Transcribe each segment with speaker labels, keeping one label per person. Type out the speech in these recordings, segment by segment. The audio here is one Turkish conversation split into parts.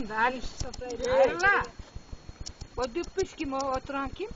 Speaker 1: kim? Ali Hayrola. O düppüş kim o oturan kim?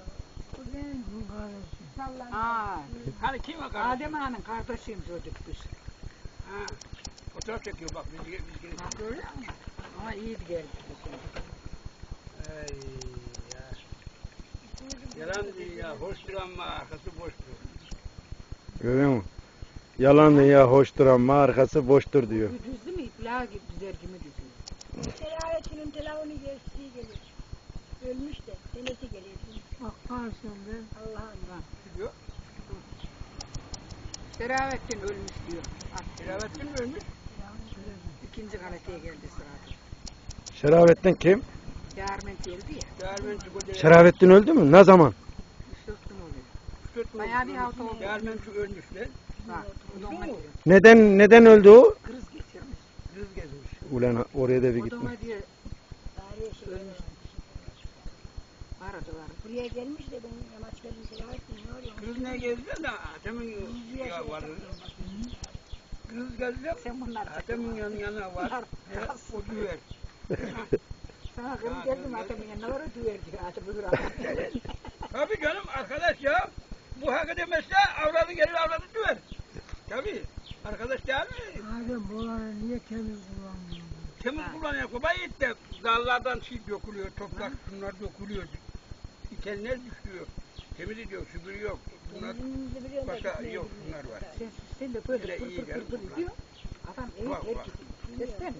Speaker 1: Ha.
Speaker 2: Hani kim o kardeşim?
Speaker 1: Adem Ağa'nın kardeşiymiş o düppüş.
Speaker 2: Ha. Fotoğraf çekiyor bak biz gelip.
Speaker 1: Ha öyle mi? Ama iyi geldi.
Speaker 2: Ay ya. Yalan dünya hoştur ama arkası boştur.
Speaker 3: Görüyor musun? Yalan ya hoştur ama arkası boştur diyor.
Speaker 1: Düzdü mü? İpla gibi düzer gibi düzüyor.
Speaker 4: Selahattin'in telefonu geçtiği gelir. Ölmüş de senesi geliyor.
Speaker 1: Bakarsın be.
Speaker 4: Allah'ım.
Speaker 2: Diyor.
Speaker 1: Selahattin ölmüş diyor.
Speaker 2: Selahattin mi ölmüş?
Speaker 1: İkinci galeteye geldi sırada.
Speaker 3: Şerafettin kim?
Speaker 1: Yarmen geldi ya.
Speaker 2: Değermenci bu değil.
Speaker 3: Şerafettin öldü mü? Ne zaman?
Speaker 1: 3-4 gün oluyor. Bayağı bir hafta oldu.
Speaker 2: Değermenci ölmüş lan.
Speaker 1: Bak, odama diyor.
Speaker 3: Neden öldü o?
Speaker 1: Kriz geçirmiş.
Speaker 2: Kız gezmiş.
Speaker 3: Ulan oraya da bir gitme.
Speaker 1: Odama diyor
Speaker 4: Tarihe şey.
Speaker 1: ölmüş. Aradılar.
Speaker 4: Buraya gelmiş de ben yamaç geldim Selahattin ne oluyor?
Speaker 2: Kız ne gezdi de Adem'in ya var. Kız gezdi.
Speaker 1: Sen bunlar
Speaker 2: Adem'in yanına var. O düver.
Speaker 1: sana kız geldim adamın yanına var o düver diyor. Hadi buyur adam.
Speaker 2: Tabii canım arkadaş ya. Bu hak edemezse avradı gelir avradı düver. Tabii. Arkadaş değil mi?
Speaker 5: Adem buraları niye temiz kullanmıyor?
Speaker 2: Temiz kullanıyor. Kobayit de dallardan şey dökülüyor. Toprak şunlar dökülüyor. İtenler düşüyor. Temiz ediyor. Süpürüyor. Bunlar başka yok. Bunlar var.
Speaker 1: Sen de böyle
Speaker 2: Öyle
Speaker 1: pır
Speaker 2: iyi
Speaker 1: pır
Speaker 2: geldi
Speaker 1: pır pır
Speaker 2: bunlar.
Speaker 1: diyor. Adam evet
Speaker 2: Bak,
Speaker 1: her
Speaker 2: bak.
Speaker 1: gibi. Seslenme.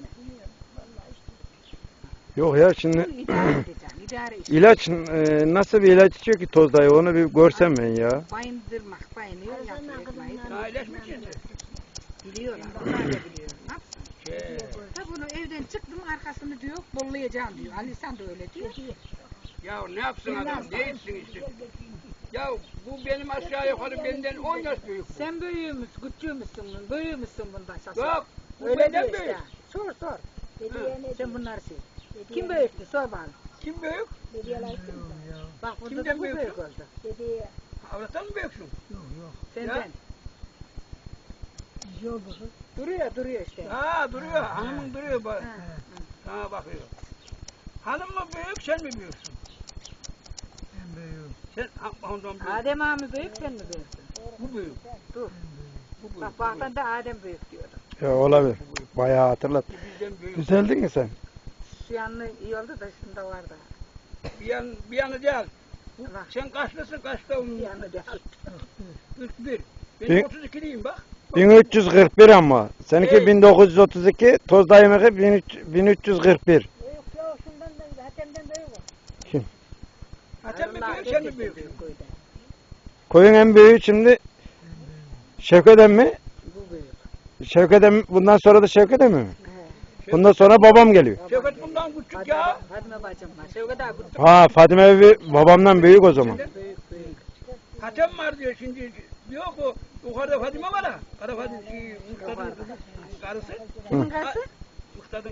Speaker 3: Yok ya şimdi
Speaker 1: Bunu idare edeceğim. İdare işte.
Speaker 3: ilaç nasıl bir ilaç içiyor ki toz dayı onu bir görsem ben ya.
Speaker 1: Bayındırmak, bayınıyor, yapmayı
Speaker 2: Aileş mi şimdi?
Speaker 1: biliyorlar. Onlar da biliyor. Ne yapsın?
Speaker 2: Şey.
Speaker 1: Ha bunu evden çıktım arkasını diyor, bollayacağım diyor. Ali sen de öyle diyor.
Speaker 2: Ya ne yapsın adam? Ne etsin işte? Ya bu benim aşağı yukarı benden 10 yaş büyük bu.
Speaker 1: Sen büyüğümüz, küçüğümüzsün, büyüğümüzün bundan şaşır.
Speaker 2: Yok. Bu
Speaker 1: Öyle
Speaker 2: benden
Speaker 1: diyor
Speaker 2: büyük.
Speaker 1: işte. Sor sor.
Speaker 4: Dediye ne
Speaker 1: Sen bunları sil.
Speaker 4: Dediye
Speaker 1: Kim büyüktü sor bana.
Speaker 2: Kim büyük?
Speaker 4: Dediye layıktın mı?
Speaker 1: Bak burada
Speaker 2: Kimden
Speaker 1: da bu
Speaker 2: büyüksün?
Speaker 1: büyük oldu.
Speaker 4: Dediye
Speaker 2: Avrattan mı büyüksün?
Speaker 5: Yok yok.
Speaker 1: Senden.
Speaker 5: Güzel bakın.
Speaker 1: Duruyor işte.
Speaker 2: Ha duruyor. Hanımın duruyor bak.
Speaker 1: Ha.
Speaker 2: Ha bakıyor. Hanım mı büyük sen mi büyüksün?
Speaker 5: Ben büyüğüm.
Speaker 2: Sen ondan büyük.
Speaker 1: Adem ağa mı büyük sen mi büyüksün?
Speaker 2: Bu büyük.
Speaker 1: Dur.
Speaker 2: Bu büyük.
Speaker 1: Bak baktığında Adem büyük diyordu.
Speaker 3: Ya olabilir. Bayağı hatırlat.
Speaker 2: Bu bizden büyük.
Speaker 3: Düzeldin mi sen?
Speaker 1: Şu yanlı iyi oldu da şunda vardı.
Speaker 2: Bir yanı değil.
Speaker 1: Bak.
Speaker 2: Sen kaçlısın kaçta onun
Speaker 1: Bir yanı değil.
Speaker 2: 41. Ben
Speaker 3: Bir-
Speaker 2: 32'liyim bak.
Speaker 3: 1341 ama. Seninki
Speaker 2: Hey.
Speaker 3: 1932, toz dayımınki 1341.
Speaker 4: yok yok şundan da Hatem'den büyük o.
Speaker 2: Hatem mi
Speaker 1: Allah
Speaker 2: büyük sen mi
Speaker 1: herkesten
Speaker 2: büyüksün?
Speaker 1: büyük koydu.
Speaker 3: Koyun en büyüğü şimdi Şevket mi?
Speaker 1: Bu büyük.
Speaker 3: Şevket bundan sonra da Şevket mi?
Speaker 1: He.
Speaker 3: Bundan sonra babam geliyor.
Speaker 2: Şevket bundan küçük ya.
Speaker 1: Fatma bacım var. Şevket abi bu
Speaker 3: Ha Fadime evi babamdan büyük o zaman.
Speaker 1: büyük büyük.
Speaker 2: Hatem var diyor şimdi. Yok o yukarıda Fadime var ha. Kara Fadime Muhtad'ın karısı.
Speaker 1: Kimin karısı?
Speaker 2: Muhtad'ın.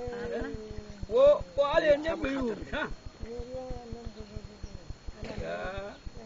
Speaker 2: O aleyhinden büyüğümüş ha. Ya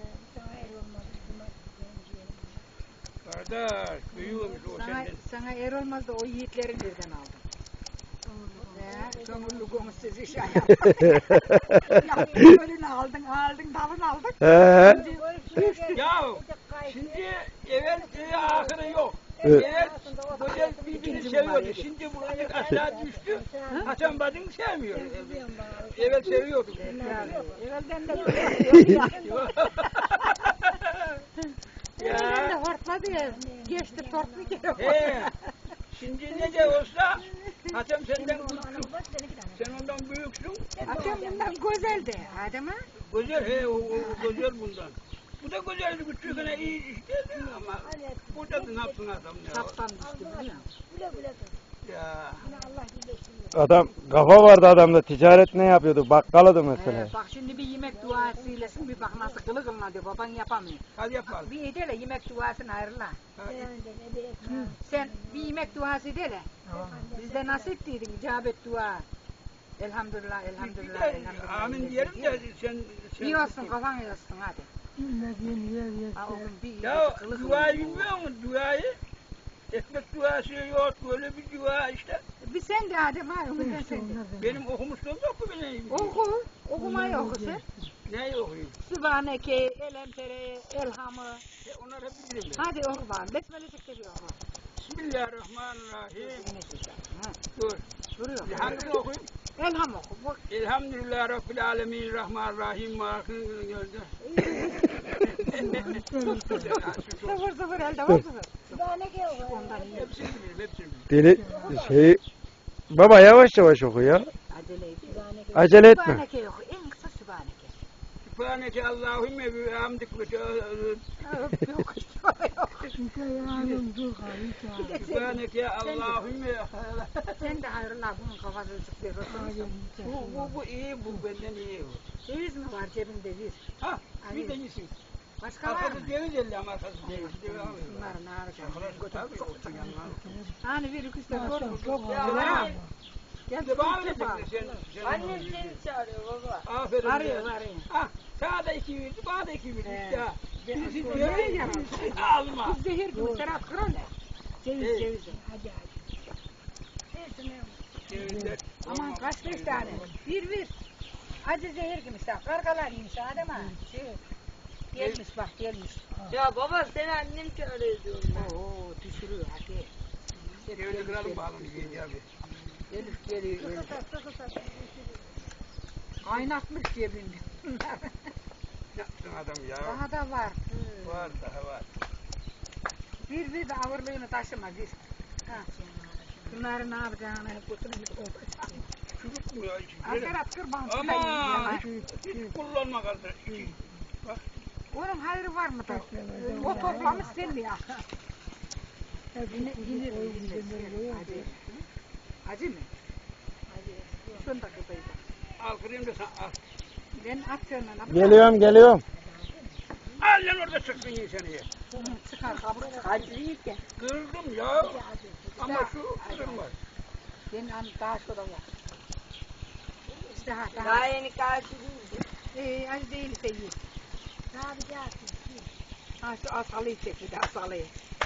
Speaker 2: kardeş büyüğümüş o senden.
Speaker 1: Sana er olmaz da o yiğitleri nereden aldın? Ya, kömürlü gömüsüz iş ayağım. Kömürünü aldın, dalını aldın.
Speaker 3: He.
Speaker 2: Ya şimdi evvel ahırı yok.
Speaker 3: Evet.
Speaker 2: Evvel böyle birbirini seviyordu. Şimdi buraya aşağı düştü. Hasan bacım sevmiyor. Evvel seviyordu.
Speaker 1: Evvelden de böyle. Evvelden de
Speaker 2: Ya.
Speaker 1: hortladı ya. Geçti tortlu geliyor.
Speaker 2: He. Şimdi ne de olsa Hasan senden küçük. Sen ondan büyüksün.
Speaker 1: Akşam bundan güzeldi. Adem ha?
Speaker 2: Güzel he o güzel bundan. Bu da güzeldi küçüğüne iyi işte ama burada da ne yapsın adam ya.
Speaker 1: Saptan düştü biliyor musun?
Speaker 4: Güle güle dur.
Speaker 2: Ya.
Speaker 4: Yine Allah birleştirmiyor.
Speaker 3: Adam kafa vardı adamda. Ticaret ne yapıyordu? Bakkaladı mesela.
Speaker 1: Bak şimdi bir yemek duası eylesin bir bak nasıl kılı kılına diyor baban yapamıyor.
Speaker 2: Hadi yapalım.
Speaker 1: Bir edele yemek duasını ayrıla.
Speaker 4: Yani ne bir ekmeğim.
Speaker 1: Sen bir yemek duası edele. Bizde nasip değildin icabet dua. Elhamdülillah, elhamdülillah, elhamdülillah.
Speaker 2: Amin diyelim de sen
Speaker 1: İyi olsun kafan yazsın hadi.
Speaker 5: Bilmediğin yer
Speaker 1: Ha, o
Speaker 5: yeter.
Speaker 1: gün bir
Speaker 2: ya
Speaker 1: kılı
Speaker 2: duayı
Speaker 1: kılına.
Speaker 2: bilmiyor musun duayı? Ekmek duası yok, böyle bir dua işte.
Speaker 1: Bir sen de Adem ha, ömürden sen de.
Speaker 2: Benim okumuşluğum yok mu benim?
Speaker 1: Oku, okumayı oku sen.
Speaker 2: Neyi okuyayım?
Speaker 1: Sübhaneke, Elemtere, Elham'ı.
Speaker 2: Onları bilirim ben.
Speaker 1: Hadi oku bakalım. Besmele çekti bir oku.
Speaker 2: Bismillahirrahmanirrahim.
Speaker 1: Ha,
Speaker 2: Dur.
Speaker 1: duruyor.
Speaker 2: Hangisini okuyayım?
Speaker 1: Elham oku. Bak.
Speaker 2: Elhamdülillah Rabbil Alemin Rahmanirrahim. Mahkûn gördü.
Speaker 1: Sıfır sıfır elde var sıfır.
Speaker 4: Sübhaneke o.
Speaker 1: Ondan iyi.
Speaker 2: Hepsini bilirim, hepsini bilirim.
Speaker 3: Deli baba yavaş yavaş oku ya.
Speaker 1: Acele et.
Speaker 3: Acele etme.
Speaker 1: Sübhaneke oku. En kısa Sübhaneke.
Speaker 2: Sübhaneke Allahümme ve hamdik ve
Speaker 1: Yok yok.
Speaker 5: Çünkü yarın dur kayıt
Speaker 2: Sübhaneke Allahümme.
Speaker 1: Sen de hayrola bunun kafasını sıkıyorsun.
Speaker 2: Bu iyi, bu benden iyi.
Speaker 1: Ceviz mi var cebinde bir?
Speaker 2: Ha, bir de iyisin.
Speaker 1: Başka var mı?
Speaker 2: Arkası ceviz elle ama arkası ceviz.
Speaker 1: Bunları ne yapacağım?
Speaker 2: Tabii yoktu yanlar.
Speaker 1: Hani bir iki üstüne doğru mu?
Speaker 5: Çok
Speaker 1: Ya. Gel
Speaker 2: Bir de bana
Speaker 1: bir bak.
Speaker 2: Annem seni çağırıyor baba. Aferin.
Speaker 1: Arıyor arıyor.
Speaker 2: Ah, sana da 2 verdi, bana da 2 verdi işte. Birisi
Speaker 1: Birisi
Speaker 2: diyor,
Speaker 1: diyor ya.
Speaker 2: birisi alma.
Speaker 1: Bu zehir gibi Serap kral ne? Ceviz
Speaker 2: Evet.
Speaker 1: ceviz.
Speaker 4: Hadi hadi.
Speaker 2: Cevizler.
Speaker 1: Aman kaç 5 tane? Bir. Acı zehir gibi işte. Kargalar yemiş Adem ha. Gelmiş bak gelmiş.
Speaker 6: Ya baba seni annem çağırıyor diyorum ben.
Speaker 1: Oo düşürüyor hadi.
Speaker 2: Cevizi kıralım bakalım bir abi.
Speaker 1: Elif geliyor. Elif.
Speaker 4: Sıkı.
Speaker 1: Kaynatmış cebinde.
Speaker 2: Yapsın adam ya.
Speaker 1: Daha da var.
Speaker 2: Var, daha var.
Speaker 1: Bir de ağırlığını taşıma bir. Ha. Bunları ne yapacağını hep götürüp
Speaker 2: Çürük mü ya? içi?
Speaker 1: Asker kırban
Speaker 2: Ama hiç kullanma kardeş. Bak.
Speaker 1: Onun hayrı var mı da? O toplamış sen mi ya? Yine acı. Acı mı? Acı. Son dakikaydı.
Speaker 2: Al kırayım da sen al.
Speaker 1: Ben atıyorum.
Speaker 3: Geliyorum.
Speaker 2: Al lan orada sıksın iyi seni ye.
Speaker 1: Çıkar kabuk.
Speaker 6: Acı yiyip ya.
Speaker 2: Kırdım ya. Ama şu kırılmaz.
Speaker 1: Ben daha şurada var. İşte ha
Speaker 6: Daha
Speaker 1: daha.
Speaker 6: yeni karşı değildi.
Speaker 1: Acı değilse iyi.
Speaker 4: Ne yapacaksın?
Speaker 1: Ha şu asalıyı çek bir de asalıyı.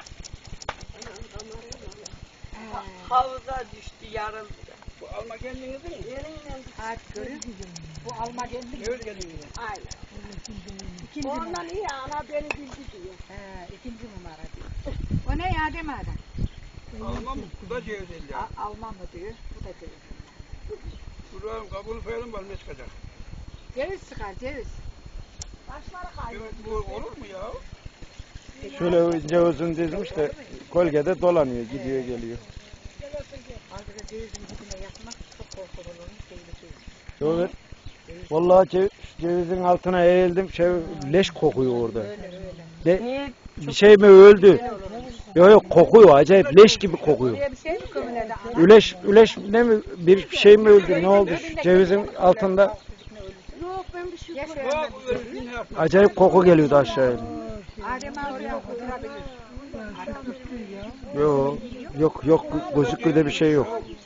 Speaker 6: Havuza düştü yarıldı.
Speaker 2: Bu alma kendini değil mi?
Speaker 1: Hadi görün. Bu alma geldi.
Speaker 2: Öyle geliyor.
Speaker 6: Aynen.
Speaker 1: İkinci
Speaker 6: Ondan
Speaker 1: numara.
Speaker 6: iyi ana beni bildi diyor.
Speaker 1: İkinci numara diyor. O ne ya deme adam.
Speaker 2: Alma mı? Bu da ceviz elle.
Speaker 1: Alman mı diyor. Bu da ceviz.
Speaker 2: Duralım kabuğunu koyalım bal ne çıkacak?
Speaker 1: Ceviz çıkar ceviz.
Speaker 2: Evet, bu olur mu ya?
Speaker 3: Şöyle ince uzun dizmiş de kolgede dolanıyor, gidiyor geliyor.
Speaker 1: Azıcık cevizin dibine yakmak çok korkulur onun tehlikeli.
Speaker 3: Şöyle vallahi cevizin altına eğildim, leş kokuyor orada.
Speaker 1: Öyle.
Speaker 3: Bir şey mi öldü? Yok kokuyor, acayip leş gibi kokuyor.
Speaker 1: Buraya bir şey mi kömüledi?
Speaker 3: Üleş ne mi bir şey mi öldü? Ne oldu? Cevizin altında
Speaker 6: Yok ben bir şey
Speaker 2: Bak öyle ne yapma.
Speaker 3: acayip koku geliyordu aşağıya.
Speaker 1: Adem oraya oturabilir.
Speaker 3: Yok gözüküyor bir şey yok.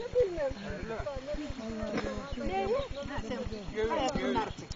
Speaker 1: Hayat bunlar için.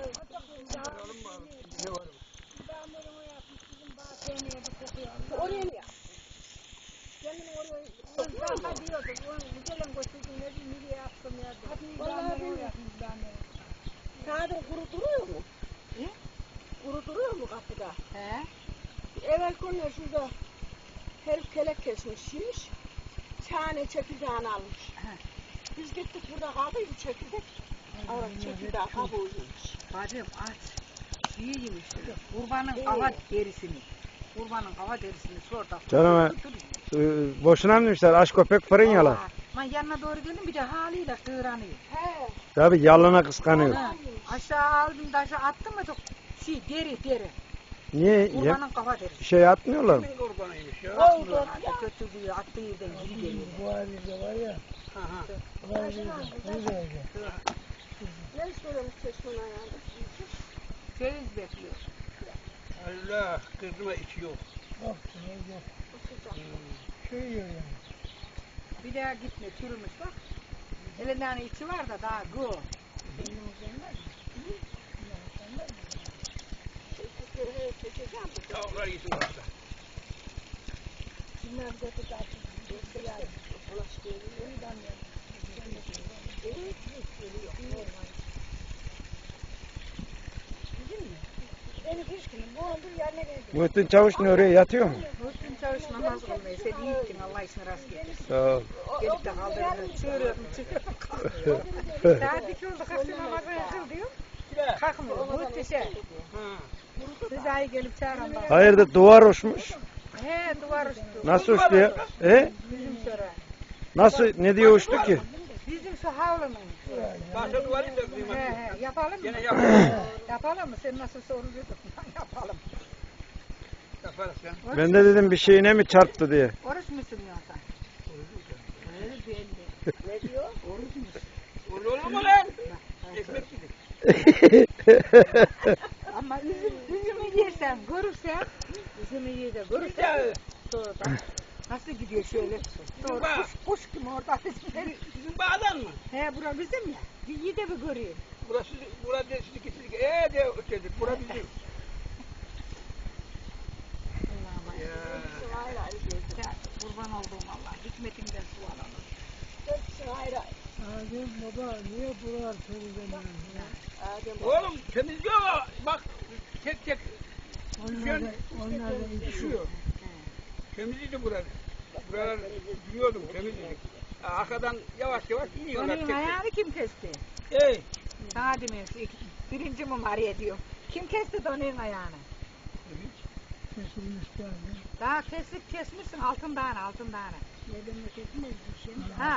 Speaker 4: Oraya mı ya? Kendini oraya hadi diyordu. Güzelen götürdüm ne diyeyim nereye yaptım ya. Vallahi bilmiyorum.
Speaker 6: Kağıdın kuru duruyor mu?
Speaker 1: He?
Speaker 6: Kuru duruyor mu kapıda?
Speaker 1: He?
Speaker 6: Evvel günler şurada herif kelek kesmiş şiş. Çane çekirdeğini almış. Biz gittik burada kaldıydı çekirdek. Orada çekirdeği kabuğu yemiş.
Speaker 1: Bacım aç. İyi yemiş. Kurbanın hava derisini. Kurbanın hava derisini şurada.
Speaker 3: Canım boşuna mı demişler aç köpek fırın yalar.
Speaker 1: Ben yanına doğru geldim bir de haliyle sığranıyor.
Speaker 6: He.
Speaker 3: Tabii yalına kıskanıyor.
Speaker 1: Ha, aşağı aldım da aşağı attım mı da deri.
Speaker 3: Niye
Speaker 1: Kurbanın kafa derisi.
Speaker 3: bir şey atmıyorlar mı?
Speaker 2: Kimin kurbanıymış ya?
Speaker 6: Oldu.
Speaker 1: Hadi götürdüğü attığı yerden geri geliyor.
Speaker 5: Bu halinde var ya. Bu halinde.
Speaker 6: Ne istiyormuş çeşmenin ayağında?
Speaker 1: Ceviz bekliyor.
Speaker 2: Allah kızıma içi yok.
Speaker 5: Bak yok. Şey yiyor yani.
Speaker 1: Bir daha gitme çürümüş bak. Elinde hani içi var da daha go.
Speaker 2: Tavuklar yesin varsa.
Speaker 4: Bunlar götü açık. Beni hiç günüm bu ondur yerine geldi.
Speaker 3: Muhittin Çavuş ne oraya yatıyor mu?
Speaker 1: Muhsin Çavuş namaz kılmıyor. Sen iyi gittin Allah işine rast getirsin.
Speaker 3: Sağ ol.
Speaker 1: Gelip de kaldırdım. Çığırıyorum çıkıyorum kalkmıyorum. Saat 2 oldu kalktı namazını kıl diyorum. Kalkmıyor. Muhteşem. Rıza'yı gelip çağıran bak.
Speaker 3: Hayırdır duvar uçmuş.
Speaker 1: He duvar uçtu.
Speaker 3: Nasıl uçtu ya? He?
Speaker 1: Bizim sonra.
Speaker 3: Nasıl ne diye uçtu ki?
Speaker 1: Bizim şu havlunun.
Speaker 2: Bahçe duvarı da kıymetli.
Speaker 1: He yapalım mı?
Speaker 2: Gene yapalım.
Speaker 1: Yapalım mı? Sen nasıl soruluyordun? Yapalım.
Speaker 2: Yaparız ya.
Speaker 3: Ben de dedim bir şeyine mi çarptı diye.
Speaker 1: Oruç musun yoksa? Öyle belli.
Speaker 6: Ne diyor?
Speaker 1: Oruç musun?
Speaker 2: Öyle olur mu lan? Ekmek gibi.
Speaker 1: Ama üzümü yersen, görürsen, üzümü yiyecek, görürsen, sonra nasıl gidiyor şöyle? Doğru, kuş gibi orada bizim.
Speaker 2: Sizin bağdan mı?
Speaker 1: He, bura bizim ya. Bir iyi de bir göreyim.
Speaker 2: Burası, burada sizinki. De ötedir. Bura bizim.
Speaker 1: Allah'ım ya. Ya, kurban olduğum Allah. Hikmetinden su alalım.
Speaker 6: Hepsi ayrı ayrı.
Speaker 5: Adem baba niye buralar temizlemiyor?
Speaker 2: Oğlum temizliyor. Bak tek tek
Speaker 5: Onlar da
Speaker 2: düşüyor. Temizliydi buralar. Buralar biliyordum temizliydi. Arkadan yavaş yavaş iniyorlar.
Speaker 1: Onun
Speaker 2: tek tek.
Speaker 1: ayağını kim kesti?
Speaker 2: Ey.
Speaker 1: Sana demiyorum. Birinci mumariye diyor. Kim kesti donun ayağını?
Speaker 5: kesilmiş yani.
Speaker 1: Daha kesmişsin altın tane.
Speaker 4: Neden kesmez bir şey mi?
Speaker 1: Ha.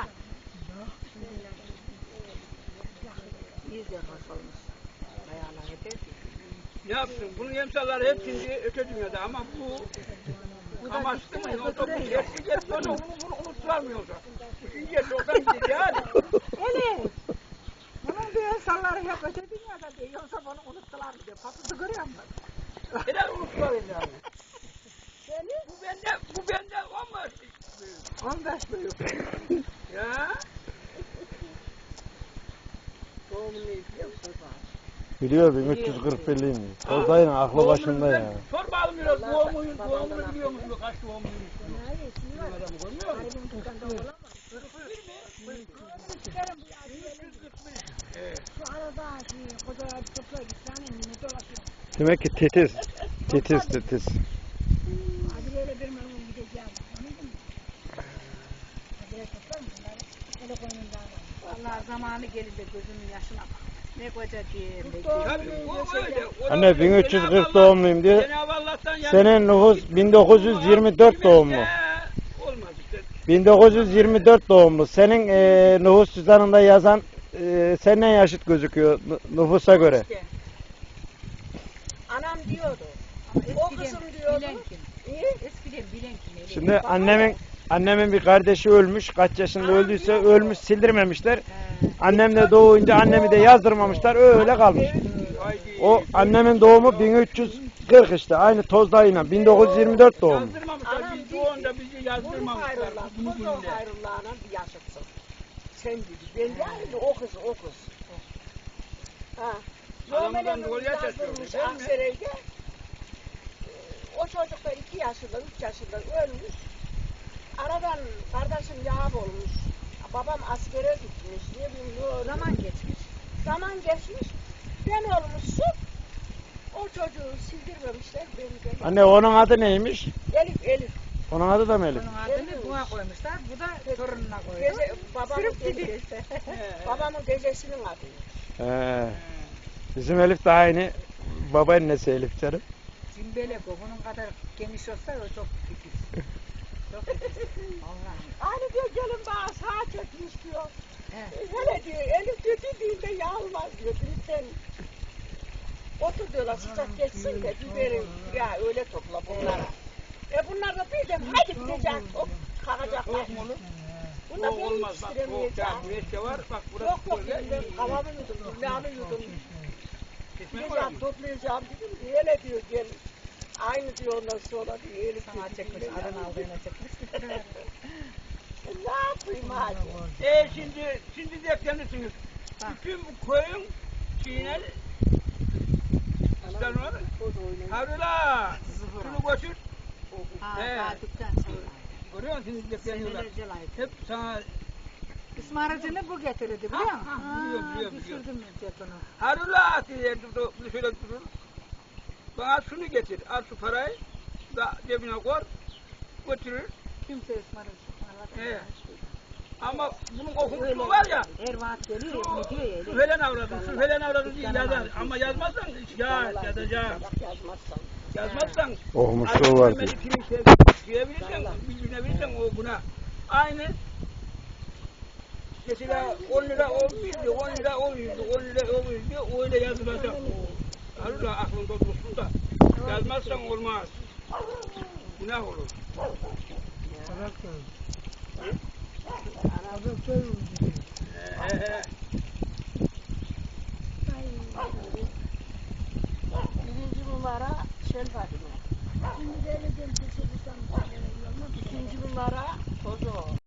Speaker 1: İyice kaşalmış. Ayağına yeter ki.
Speaker 2: Ne yapsın? Bunun emsalları hep şimdi öte dünyada ama bu amaçlı mı? O topu geçti sonra bunu unutulamıyorsa. Üçüncü yaş oradan gidiyor yani.
Speaker 1: Elif. Bunun bir insanları hep öte dünyada diyor. Yoksa bunu unuttular diyor. Papızı görüyor musun?
Speaker 2: Helal unuttular yani. Bu bende
Speaker 1: 15 büyük.
Speaker 2: ya.
Speaker 6: Doğumunu izliyor musun?
Speaker 3: Biliyor 1341'liyim. Oradayım aklı başında ya.
Speaker 2: Sor bakalım biraz doğumunu biliyor musun? Kaç doğumluymuş?
Speaker 4: Hayır, şimdi var.
Speaker 2: Adam görmüyor musun?
Speaker 4: Harbin tutan da olamaz. Şu arada kocalar bir toplar bir tane mi dolaşıyor.
Speaker 3: Demek ki titiz. Titiz.
Speaker 4: Hadi böyle bir memnun gideceğim. Anladın mı? Hadi toplar mı? Öyle koynundan var.
Speaker 1: Vallahi zamanı gelince gözümün yaşına bak. Ne koca diyeyim.
Speaker 2: Tabii o öyle.
Speaker 3: Anne 1340 doğumluyum diyor.
Speaker 2: Cenab-ı Allah'tan yani.
Speaker 3: Senin nüfus 1924 doğumlu.
Speaker 2: Olmaz işte.
Speaker 3: 1924 doğumlu. Senin nüfus cüzdanında yazan senden yaşıt gözüküyor nüfusa göre.
Speaker 6: Anam diyordu. O kızım diyordu.
Speaker 1: Bilen kim?
Speaker 6: İyi.
Speaker 1: Eskiden bilen kim? Elif?
Speaker 3: Şimdi annemin bir kardeşi ölmüş. Kaç yaşında öldüyse ölmüş sildirmemişler. Annem de doğunca annemi de yazdırmamışlar. Öyle kalmış. O annemin doğumu 1340 işte. Aynı Tozdağ'ıyla 1924 doğumlu.
Speaker 2: Yazdırmamışlar. Biz doğunda bizi
Speaker 6: Bunu
Speaker 2: yazdırmamışlar.
Speaker 6: hayrullah.
Speaker 2: Bunu
Speaker 6: Bunu
Speaker 2: bilirler.
Speaker 6: hayrullah'ına bir yaşatsın. Sen dedi. Ben yani o kız. Ha.
Speaker 2: Adamı ben
Speaker 6: Yomelen'in
Speaker 2: rol yaşatıyorum,
Speaker 6: yazdırmış
Speaker 2: değil mi?
Speaker 6: Aksaray'da. O çocuk da 2 yaşında, 3 yaşında ölmüş. Aradan kardeşim yağ olmuş. Babam askere gitmiş. Ne bileyim Zaman geçmiş. Ben olmuşsun. O çocuğu sildirmemişler. Beni
Speaker 3: Anne onun adı neymiş?
Speaker 6: Elif.
Speaker 3: Onun adı da mı Elif?
Speaker 1: Onun adını buna koymuşlar. Bu da torununa koydu.
Speaker 6: Babamın teyzesinin adı.
Speaker 3: Bizim Elif de aynı. Babaannesi Elif canım.
Speaker 1: Cimbelek o. Bunun kadar geniş olsa o çok titiz. Çok titiz. Allah'ım.
Speaker 6: Aynı diyor gelin bana sağa çekmiş diyor.
Speaker 1: He.
Speaker 6: Hele diyor Elif diyor dediğinde yağılmaz diyor. Lütfen otur diyorlar sıcak geçsin de biberi ya öyle topla bunlara. Bunlar da birden hadi gidecek hop kalkacaklar. Bunda beni
Speaker 2: Olmaz bak.
Speaker 6: yetiştiremeyeceğim.
Speaker 2: Güneşte var. Bak
Speaker 6: Yok
Speaker 2: burası
Speaker 6: ben kavamı yudum, gülleğini yudum.
Speaker 2: Kesmeye var
Speaker 6: Gideceğim
Speaker 2: mı?
Speaker 6: toplayacağım dedim. Hele diyor gel. Aynı diyor ondan sonra diyor Elif
Speaker 1: Sana çekmiş. Adını aldığına çekmiş.
Speaker 6: Ne yapayım hadi.
Speaker 2: Şimdi de kendisiniz. Bütün bu koyun çiğner. Sen onu Harula. Şunu götür.
Speaker 1: Ha,
Speaker 2: He.
Speaker 1: Fatih'ten sonra.
Speaker 2: Görüyor musun? Şimdi bekleniyorlar.
Speaker 1: Senelerce layık.
Speaker 2: Hep sana
Speaker 1: Ismaracını bu getirirdi biliyor musun?
Speaker 2: biliyorum.
Speaker 1: Düşürdüm cetonu.
Speaker 2: Harula atıyor, şöyle durur. Bana şunu getir, al şu parayı, da cebine koy, götürür.
Speaker 1: Kimse ısmaracı.
Speaker 2: He. Ama bunun okuduğu var ya,
Speaker 1: Her vaat geliyor ya, ne diyor ya.
Speaker 2: şu falan avradı diye yazar. Ama yazmazsan ya yazacağım. Yazmazsan
Speaker 3: Okumuşluğu var diyor.
Speaker 2: Bilgilebilirsen o buna. Aynı mesela 10 lira olmuştu, 10 lira olmuştu, 10 lira olmuştu, öyle yazılacak. Harula aklında dursun da yazmazsan olmaz. Günah olur.
Speaker 5: Bırak da.